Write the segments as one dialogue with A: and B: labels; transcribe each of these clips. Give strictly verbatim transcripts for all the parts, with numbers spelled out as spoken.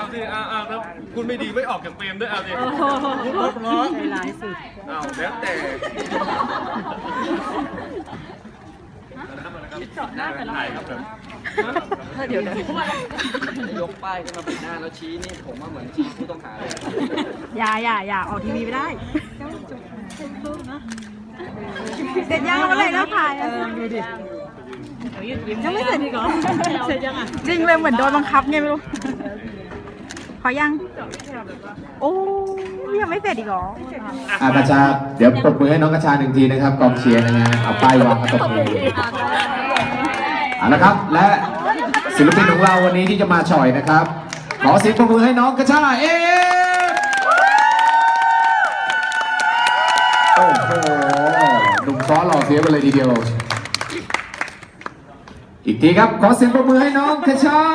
A: สิเอาเอาแล้วคุณไม่ดีไม่ออกจากเฟรมด้วยเอาสิเพราะใจร้ายสุดเอาแล้วแต่ถ่ายครับผมเดี๋ยวเดี๋ยวยกป้ายขึ้นมาปิดหน้าแล้วชี้นี่ผมว่าเหมือนชี้ผู้ต้องหาเลย
B: อย่าอย่าอย่าออกทีวีไม่ได้เสร็จยังเมื่อไหร่แล้วถ่ายดูดิยังไม่เสร็จอีกเหรอเสร็จยังอ่ะจริงเลยเหมือนโดนบังคับไงไม่รู้ขอยังโอ้ยังไม่เสร็จอีกเหรอ
C: อากระชาเดี๋ยวปรบมือให้น้องกระชาหนึ่งทีนะครับกองเชียร์นะฮะเอาป้ายวางกระตบมือเอาละครับและศิลปินของเราวันนี้ที่จะมาฉ่อยนะครับขอเสียงปรบมือให้น้องกระชาเอโอ้โหหนุ่มซ้อหล่อเสียไปเลยทีเดียวอีกทีครับขอเสียงปรบมือให้น้องกระชา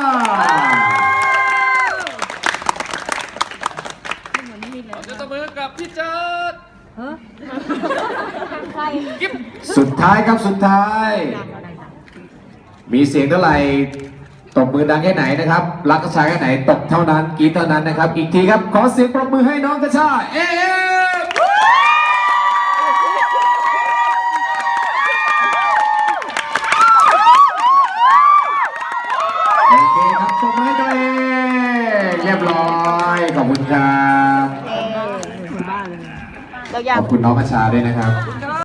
A: ตบมือกับพี่เจิด
C: สุดท้ายครับสุดท้าย มีเสียงเท่าไหร่ตบมือดังแค่ไหนนะครับรักกระชาแค่ไหนตบเท่านั้นกรี๊ดเท่านั้นนะครับอีกทีครับขอเสียงปรบมือให้น้องกระชาเอ๊โอเคครับปรบมือให้ตัวเองเรียบร้อยขอบคุณครับขอบคุณน้องกระชาด้วยนะครับ